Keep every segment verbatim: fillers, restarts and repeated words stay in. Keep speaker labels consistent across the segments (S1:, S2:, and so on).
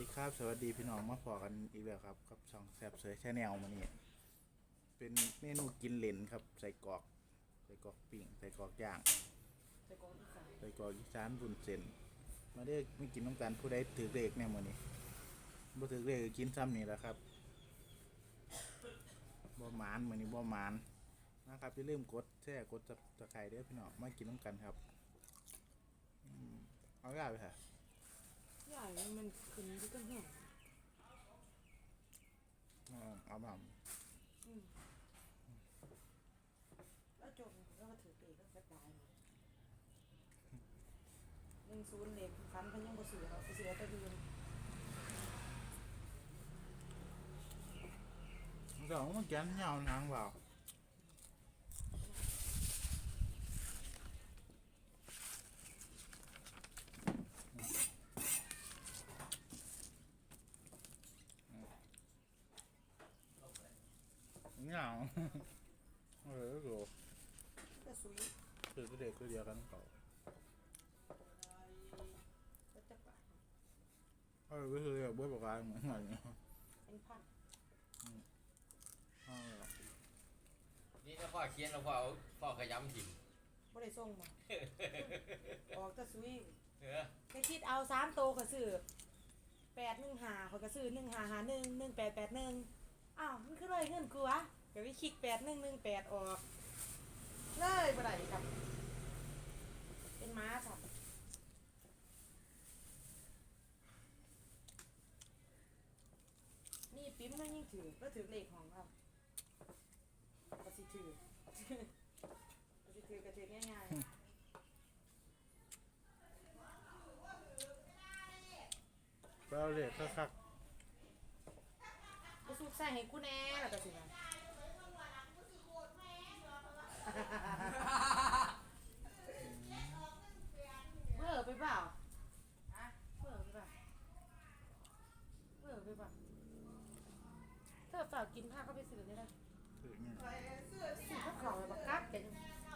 S1: ครับสวัสดีพี่น้องมาพอกันอีกแล้วครับกับช่องแซบเสยแชนแนลมานี่เป็นเมนูกินเหลนครับใส่กรอกใส่กรอกปิ้งใส่กรอกย่าง
S2: ใส่กรอกอีสาน
S1: ใส่กรอกอีสานบุญเส้นมาได้ไม่กินน้ำกันผู้ใดถือเลขแน่มื้อนี้บ่ถือเลขกินซ้ำนี่แหละครับบ่หมานมื้อนี้บ่หมานนะครับอย่าลืมกดแชร์กดตะไคร้เด้อพี่น้องมากินน้ำกันครับเอาได้ไปค่ะ
S2: ใหญ่มันขึ้นที่ต้นหัว
S1: เอามา
S2: แล้วจบแล้วก็ถือเตะก็จะตายหนึ่งศูนย์เล็กฟันพันยังบ่เสือเราเสือตะยืน
S1: สองมันแกนยาวนางเปล่าเงาเออโห
S2: ก็สวย
S1: คือเด็กคือเดียวกันเปล่า
S2: ก็จะปะ
S1: เออก็คือแบบบ้วยปากกาเหมือนกัน
S2: เป็นพัน
S3: นี่ถ้าพ่อเขียนแล้วพ่อพ่อขยำถิ่น
S2: บ่ได้ส่งมาออกก็สวย
S3: เออ
S2: แค่คิดเอาสามโตก็ซื้อแปดหนึ่งหาเขาก็ซื้อหนึ่งหาหาหนึ่งหนึ่งแปดแปดหนึ่งอ้าวมันคือเลยเงินกูวะเดี๋ยวไปคลิกแปดหนึ่งหนึ่งแปดออกเลยบ่ได้ครับเป็นม้าครับนี่ปิ๊มนั่นยิ่งถือก็ถือเลขของเราก็สิถือก็สิถือกระถือง่ายๆ
S1: เราเรียกคัก
S2: กูสูบใส่ให้กูแน่แล้วก็สินะเมื่อไปเปล่าอะเมื่อไปเปล่าเมื่อไปเปล่าเธอเปล่ากินข้าวก็ไปซื้อได้เลยซื้อข้าวขาวแบบกัดกัน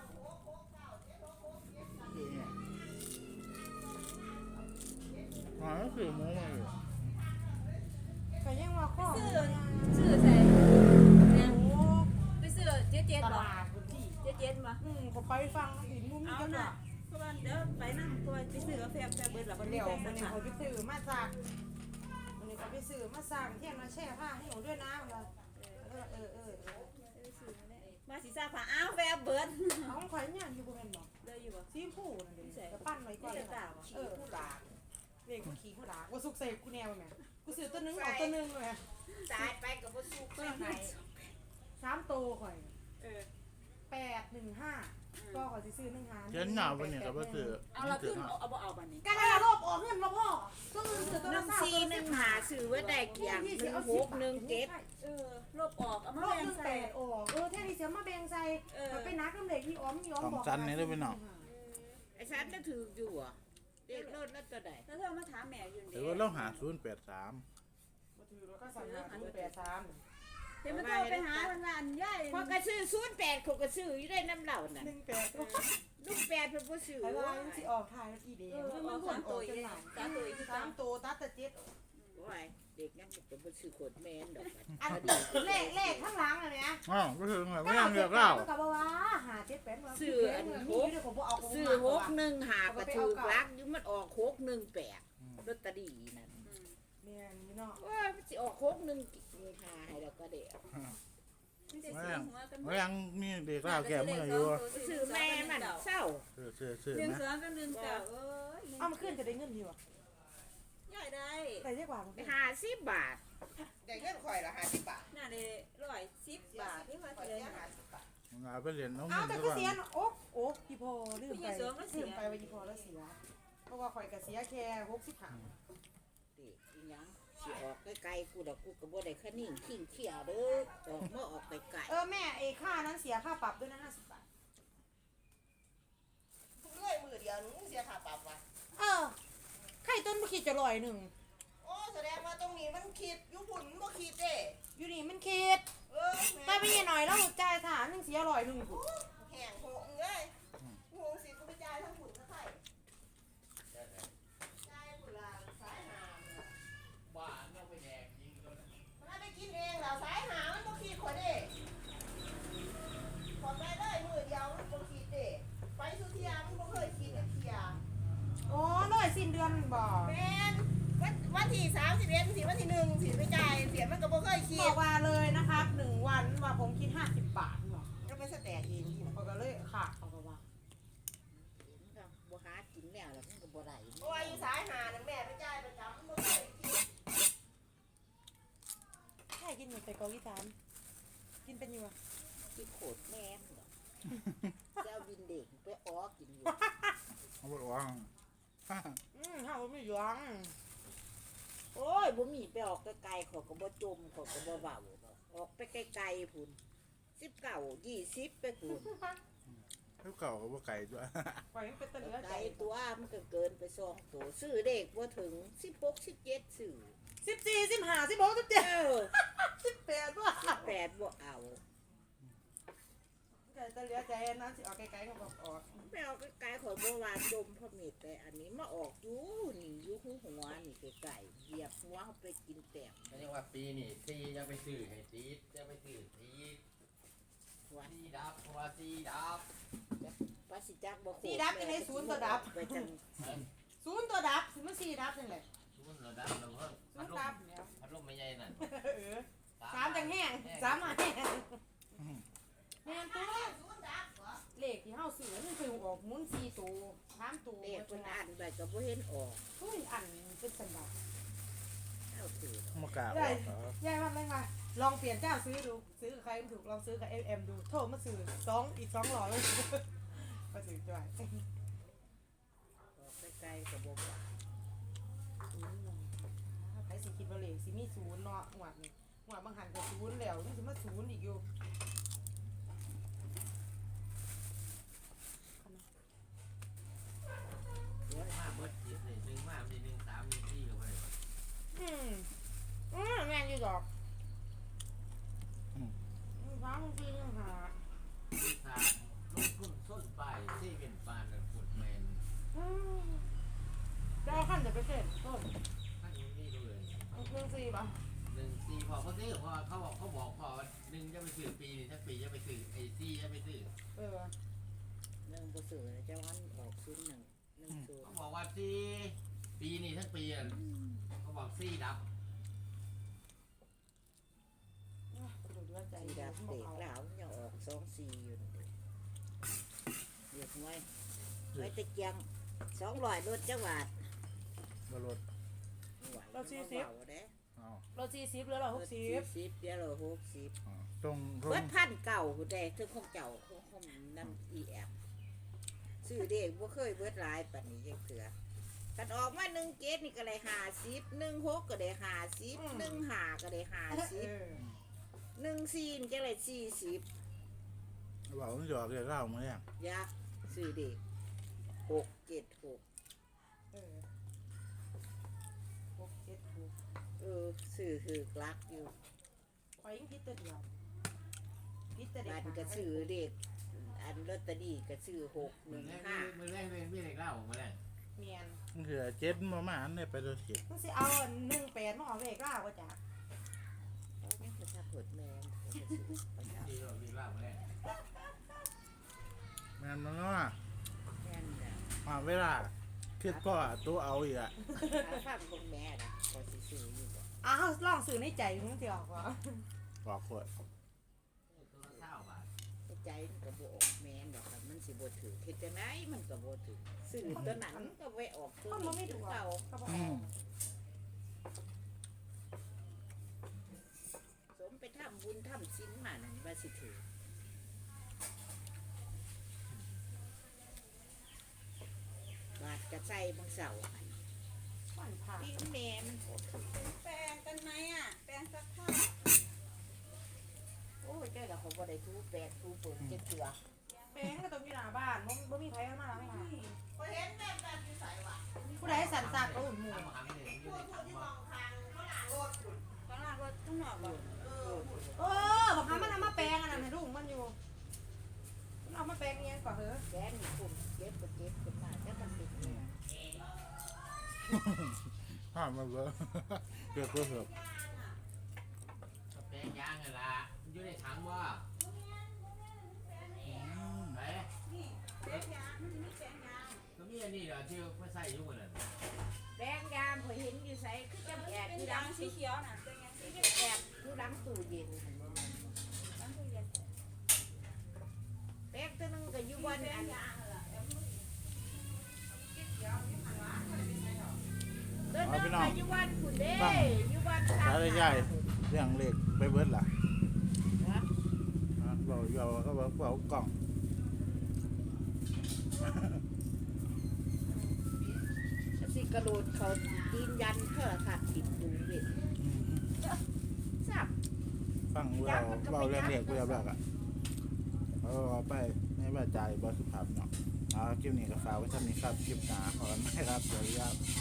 S1: อ๋อคือหมูมาอยู่
S2: ก็ยังว่าข้อ
S4: ซื้อซื้อใส่เนี่ยไปซื้อเจ๊เจ๊
S2: ต
S4: บ่
S2: ลาดพื้นที่
S4: เจ๊เจ๊บ่
S2: อืมก็ไปฟังอีกมุมนึง
S4: เอา
S2: กัน
S4: น่ะ
S2: ว่ะ
S4: เพราะว่าเดี๋ยวไปนั่งตัวไปซื้อกาแฟแฟเบิดแล้วบ่มี
S2: เดี๋ยว
S4: แฟ
S2: มัน
S4: สัก
S2: นี่
S4: ค่ะ
S2: เขาไปซื้อมาจากมันนี่เขาไปซื้อมาสั่งเที่ยงมาแช่ผ้าให้หนูด้วยนะว่าเออเออเออ
S4: มาสิซาผ้าอ้าวแฟเบิด
S2: เอาของข่อยเนี่ยอยู่บ่แม่นบ่
S4: เลยอยู่บ่
S2: ซีผู้นั่นเด้ก็ปั้นไว้ก่อนเออผู้หลาเด็กผู้ขี่ผู้หลาว่าสุกใส่กูแนวแม่กูซื้อตัวนึงเอาตัวนึงเลย
S4: ตายไปก็บ่สุกตัวไหน
S2: สามโตข่อย
S4: เออ
S2: แปดหนึ่งห้าก็ข่อยสิซื้อหนึ่งหา
S1: เขียนหนาวไปเนี่ยกับว่าคือ
S4: เอาละขึ้นเอาบ่เอาบัดนี้
S2: ก็ได้รบออกเงินมาพ่อตัวอื่นซื้อตัวละสาม
S4: สี่หนึ่งหาซื้อไว้ได้กี่อย่างหนึ่งหกหนึ่งเจ็ดเออลบออกเอามา
S2: ลบ
S4: แบ่
S2: ห
S4: ง
S2: นึ่ง
S4: ใส่
S2: แปดออกเออแท่นี้เสียมาแบ่งใส่ไปนักน้ำเหล็กที่อ้อมยอม
S1: สอง
S2: บอก
S1: ชั้นนี่ได้ไปหน่อ
S4: ไอ้ฉันน่ะถืออยู่อ่ะเด็กรถนั่นตัวใดแล้วเธอมาถามแม่อยู่
S1: หรือว่าเราหาศูนย์แปดสาม
S2: มาถือแล้วก็สั่งหาศูนย์แปดสาม
S4: เดี๋ยวมันโทรไปหาทางร้านย่ายพอกระซื้อศูนย์แปดเขากระซื้ออยู่ได้น้ำเหล่าน่ะ
S2: หนึ่งแปด
S4: ลูกแปดเพิ่นบ่ซื้อ
S2: ไอ้ว่ามันสิออกทายแล้วกี่เดียวมันบ่ออกจังหวะสามตัวสามตัวตัดแต่เจ็ด
S4: ว่าเด็กงั้นก็บ่ซื้อขวดแม่นดอก
S2: อันเลขเลขข้างหลังอันเนี้ย
S1: อ๋อก็คือไงไม่ยังเลือกเล่า
S2: ก็บอกว่าหาเจ็ดแปด
S4: ซื้ออันหกซื้อหกหนึ่งหากระถูกลักอยู่มันออกหกหนึ่งแปดลอตเตอรี่นั่น
S2: แม่นนี่เนาะ
S4: ว่ามันสิออกหกหนึ่งหาให้แล้วก็เด้อ
S1: ไม่ยังไม่ยังมีเด็กเล่าแก่เมื่ออยู่
S4: ซื้อแม่มันเศร้า
S1: ซื้อซื้อซื้อ
S4: หนึ่ง
S1: นะ
S4: สองกับหนึ่งเก้าเอ้ย
S2: เอามาขึ้นจะได้เงินดีวะ
S4: ย่อยได้
S2: ได้เยอะกว่า
S4: ไปห้าสิบบาท
S5: ได้เงินข่อยละห้าสิบบาท
S4: น่าได้ร้อยสิบบาทที่ว่า
S5: ข่อย
S4: เลย
S5: ได้ห้าสิบบาท
S1: งานไปเรียนน้อง
S2: เอา
S1: มิน
S2: แต่
S1: ดี
S2: ก็
S1: กว่า
S2: เสียโอ๊กโอ๊กพี่พอลืมไปลืมไปว่าพี่พอแล้วเสียเพราะว่าข่อยก็เสียแค่หกสิบห้า
S4: เด็กอีหยังสิออกไกลๆกูดอกกูก็บ่ได้คะนิ่งขิงเขี้ยวเด้อออกมาออกไปไกล
S2: เออแม่ไอ้ค่านั้นเสียค่าปรับด้วยนะห้าสิบบาท
S5: ทุกเรื่อยมือเดียวหนึงเสียค่าปรับว่ะ
S2: เออไข่ต้นบ่คิดจะลอยหนึ่ง
S5: โอ้แสดงว่าตรงนี้มันคิดอยุบุ่นบ่คิดเด้
S2: อยู่นี่มันคิด
S5: เออ
S2: ไปไปยี่หน่อยแล้วจ่ายฐานหนึ่งเสียลอยหนึ่ง
S5: แห้งโหงเลยโหงสิกูไปจ่ายทั้งฝุ่นทั้งไข่จ่ายฝุ่นละสายหาม
S3: บ้า
S2: อนบ่
S5: แม่นวันวันที่สามสิบเอ็ดสิวันที่หนึ่งสิไปจ่ายเสียมันก็บ่เคยคิ
S2: บอ
S5: ด
S2: กว่าเลยนะครับหนึ่งวันว่าผมคิดห้าสิบบาทหรอก
S5: ก็ไปสแตกเองที่น่ะ
S2: เขาก็เลยขาดเขาก็ว่า
S4: มันก็บ่หากินแล้วแล้วมันก็บ่ได้
S5: เพราะว่าอยู่สายหานั่นแม่ไปจ่ายประจำมันบ่เคยคิด
S2: แค่กินหมูใส่กออีสานกินเป็นอยู่อะ
S4: กินโคตรแม่นดอกเจ้าบินเด็กไปอ้อกินอยู่
S1: เขาบอกว่า
S2: อืมข้าวไม่หยวง
S4: โอ้ยบ่มีไปออกไกลๆเขาก็บ่จมเขาก็บ่เว้าดอกออกไปไกลๆพุ่นสิบเก้า ยี่สิบไปพุ่น
S1: เท่าเก่าเขาบอกไก่ด้วย
S2: ปล่อยมันเป็นตะเหลือ
S4: ไก
S2: ใจ
S4: ลตัวมันก็เกินไปสองตัวซื้อเด็กบ่ถึงสิบหก สิบเจ็ดซื้อ
S2: สิบสี่สิบห้าสิบหกสิบเจ็ด
S4: เออ
S2: สิบแปดว่า
S4: สิบแปดบ่เอา
S2: ตะเหลือใจนั้นสิออกไกลๆก็บอกออก
S4: ไปออกไกลๆเขาบ่วานดมพระเมตแต่อันนี้มาออกอยู่นี่อยู่หูหัวนี่ไกลๆเหยียบหัวเขาไปกินแต้ม
S3: ไม่ใช่ว่าปีนี่ซีจะไปซื้อให้ซีดจะไปซื้อซีด
S4: ว่า
S3: ซีดับเพราะว่าซีดับ
S4: ว่าสิจักบ่โค
S2: สี่ดับยังไงศูนย์ตัวดับ
S4: ไปจัง
S2: ศูนย์ตัวดับสิมันสี่ดับนี่แหละ
S3: ทุกระดับเราเพิ่ม
S2: ศู
S3: พั
S2: น
S3: ด
S2: ย์
S3: ล
S2: ดับ
S3: ม
S2: เนี่ย
S3: พัดลมไม่ใหญ่นั่น
S2: เออสามจังแห้งสามมาแห้งแม่นตัวเลขที่เฮาซื้อมันคือออกหมุนสี่ตัวสามตัว
S4: เด็กเพิ่นอ่านไปก็บ่เห็นออก
S2: เฮ้ยอันเป็นสันดาป
S4: เอาถือ
S1: มากราบ
S2: ใหญ่
S1: เหรอ
S2: ใหญ่มากเลยค่ะลองเปลี่ยนเจ้าซื้อดูซื้อกับใครไม่ถูกลองซื้อกับเอ็มดูโทรมาซื้อสองอีกสองหล่อเลยมาซื้อจ่อย
S4: ออกไกลๆก็บ่ว่า
S2: ใครสิคิดว่าเลขสิมีศูนย์เนาะหวดนี่หวดบางหันก็ศูนย์แล้วนี่สิมาศูนย์อีกอยู่
S3: เบิดมาเบิดจิตเลยหนึ่งมามีหนึ่งสามหนึ่งสี่ก็ไม่ได้
S2: อืมอืมแม่นอยู่ดอกสามสี่ยังหา
S3: มีขาดลงทุนส้นปลายที่เป็นปานเลยปวดแมน
S2: อืมจะเอาขั้นเดี๋ยวไปเสร็จต้น
S3: ท่านนี้เลย
S2: เอาเครื่องสี่ป่ะ
S3: หนึ่งสี่พอเขาซื้อพอเขาบอกเขาบอกพอหนึ่งจะไปซื้อปีนี่ถ้าปีจะไปซื้อไอ้สี่จะไปซื้อ
S2: เออ
S4: หนึ่งบ่ซื้อนะเจ้าอันออกศูนย์หนึ่งหนึ่งศูน
S3: เขา
S4: ย์
S3: บอกว่าสี่ปีนี่ทั้งปีอ่ะเขาบอกสี่ดับ
S2: ดูด้วยใจ
S4: สี
S2: เด็
S4: ดั
S2: ก
S4: บ
S2: บอ
S4: เด็
S2: ก
S4: ก
S2: เอา
S4: แล้วยังออกสองสี่อยู่นี่เด็กไว้ไว้ตะเกียงสองร้อยรถจังหวัด
S1: บรถ
S4: ไหวเราสี่สิบเด้
S1: อ๋อ
S2: เราสี่สิบเหลือเราหกสิบ
S4: สิบเดี๋ยวเราหกสิบ
S1: อ๋อตรงตร
S4: เบิ
S1: ง
S4: ดพันเก่าผู้ใดถึงของเจ้าของของนั่นอีแอมซื้อเด็กบ่เคยเบิดหลายปานนี้ยังเถือกันออกมาหนึ่งเกตนี่ก็ได้ห้าสิบหนึ่งหกก็ได้ห้าสิบหนึ่งห้าก็ได้ห้าสิบ
S2: เออ
S4: หนึ่งสี่นี่จะได้สี่สิบ
S1: บอกมันหยอกเรียกเล่ามาเนี่ย
S4: ยักษ์ซื้อเด็กหกเจ็ดหก
S2: เออหกเจ็ดหก
S4: เออซื้อคือกลักอยู่
S2: ไปยังพิษตัวเดียวพิษตัวเดีย
S4: บั
S2: วน
S4: ก็ซื้อเด็กอันลอตเตอรี่ก็ซื้อหกห
S3: มื
S4: นึ่
S3: อง แรก
S4: ห้า
S3: มือแรกเป็นพี่เล็กเล่ามาแล้ว
S2: เมียน
S1: มันคือเจ็ดมามาอันเนี่ยไปตัวเจ็ด
S2: มันสิเอาหนึ่งแปดมาเอาเลขล่าวก็จ้ะ
S4: เอาแม่งก็ถ้าเปิดแมนก็จะซื้อไปเอา
S3: ที่เราพี่เล่ามาแล้ว
S1: แม่นมันเนาะ
S4: แม่นจ้ะ
S1: มาเวลาคิดก็ตัวเอาอีกอะ
S4: ถ้าฟังเบิ่งแม่นะก็สิซื้ออยู่บ่
S2: อ้าวลองสื่อในใจมึงสิออกวะ
S1: บอกขวด
S3: ตัวละเท่าบาท
S4: แต่ใจมันก็บ่ออกแม่นดอกครับมันสิบ่ถือเฮ็ดจังไดมันก็บ่ถือซื้อตัวนั้นมันก็ไว้ออกตัว
S2: คนมันไม่
S4: นี้
S2: ถูก
S4: เก่า
S2: ก็บอก
S1: อืม
S4: สมไปทำบุญทำศีลมานั่นว่าสิถือ บาดกระใส่บางเสาหัน
S2: วันผ่า
S4: พี่แม่มันโหด
S5: แปลงกันไหมอ่ะแปลงซักผ้า
S4: โอ้ยเจ้าละเขาบ่ได้ทูแปดทูเปิดเจ็ดเถื่อ
S2: แป้งก็ต้องอยู่หน้าบ้านบ่บ่มีใครเข้ามาไม่ค่ะ
S5: พอเห็นแบบแบบที่ใส่ว่ะ
S2: ผู้ใดสั่นซากก็อุ่นหมู่
S3: ทำอาหารให้เด็ก
S5: พู
S3: อยู่
S5: ด
S3: ใน
S5: พูด
S3: ถัง
S5: ที่ม
S3: ว่า
S5: องทางเขาหลังรถ
S4: ข้างล่างรถข้างนอกบ่เออ
S2: เออบอกหามันเอามาแปลงอันนั้นให้ลูกมันอยู่มันเอามาแปลงเงี้ยก่อนเหรอ
S4: แกนี่คุณเก็บก็เก็บขึ้นมาแต่มันติดเนี่ย
S1: ห้ามมาเบอร์เกิดก็เหือบ
S3: แปลงยางไงล่ะอยู่ในถังว่าไหน
S5: นี่แปลงยางมันมีแปลงยาง
S3: ก็มีอันนี้เหรอที่เขาใส่ยุ่งกันนั่น
S5: ที่ดังสีเขียวน่ะเป็นยังสีเขียว
S4: แอบอยู่หลังตู้เย็นหั่นบ่แม่น
S5: ตั้งตู้เย็น
S4: แป๊กตัวหนึงก็อยู่วันอันตัวหนึงก็อยู่วันคุณเด้อยู่วัน
S1: สาได้ใหญ่เรื่องเล็กไปเบิดล่ะ
S4: วะ
S1: อ่ะบอกอยู่ว่าก็บอกเอากล่อง
S4: สิกระโดดเขาตีนยันโทรทัศน์ติดดูเว้ยซับ
S1: ฟังเราเราเรื่องเล็กเรื่องแรกอ่ะเอาไปไม่ว่าใจบอสุภาพเนาะเอาคลิปนี้ก็ฝากไว้เท่านี้ครับคลิปหนาขอกันไหมครับสวัสดีครับ